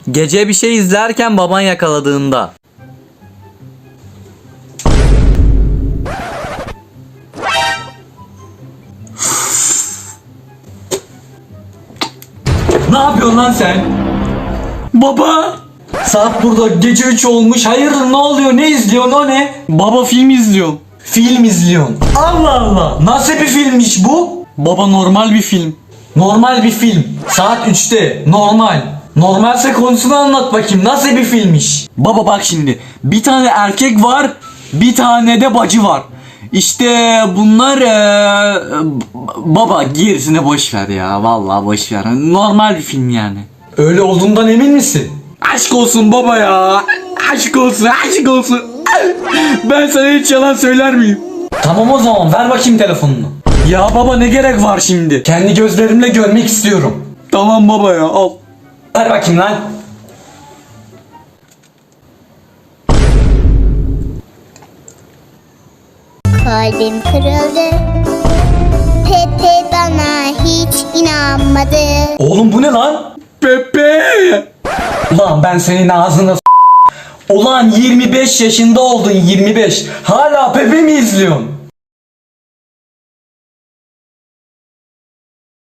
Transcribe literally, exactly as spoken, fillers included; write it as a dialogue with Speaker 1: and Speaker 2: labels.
Speaker 1: Gece bir şey izlerken baban yakaladığında.
Speaker 2: Ne yapıyorsun lan sen? Baba! Saat burada gece üç olmuş. Hayırdır, ne oluyor? Ne izliyorsun, o ne?
Speaker 3: Baba film izliyorum.
Speaker 2: Film izliyorsun. Allah Allah! Nasıl bir filmmiş bu?
Speaker 3: Baba normal bir film.
Speaker 2: Normal bir film. Saat üçte. Normal. Normalse konusunu anlat bakayım. Nasıl bir filmmiş?
Speaker 3: Baba bak şimdi. Bir tane erkek var. Bir tane de bacı var. İşte bunlar eee, baba gerisine boş ver ya. Vallahi boş ver. Normal bir film yani.
Speaker 2: Öyle olduğundan emin misin?
Speaker 3: Aşk olsun baba ya. Aşk olsun, aşk olsun. Ben sana hiç yalan söyler miyim?
Speaker 2: Tamam, o zaman ver bakayım telefonunu.
Speaker 3: Ya baba ne gerek var şimdi?
Speaker 2: Kendi gözlerimle görmek istiyorum.
Speaker 3: Tamam baba ya, al.
Speaker 2: Ver bakayım lan.
Speaker 4: Kalbim kırıldı. Pepe bana hiç inanmadı.
Speaker 2: Oğlum bu ne lan?
Speaker 3: Pepe.
Speaker 2: Ulan ben senin ağzını s- Ulan yirmi beş yaşında oldun, yirmi beş. Hala Pepe mi izliyorsun?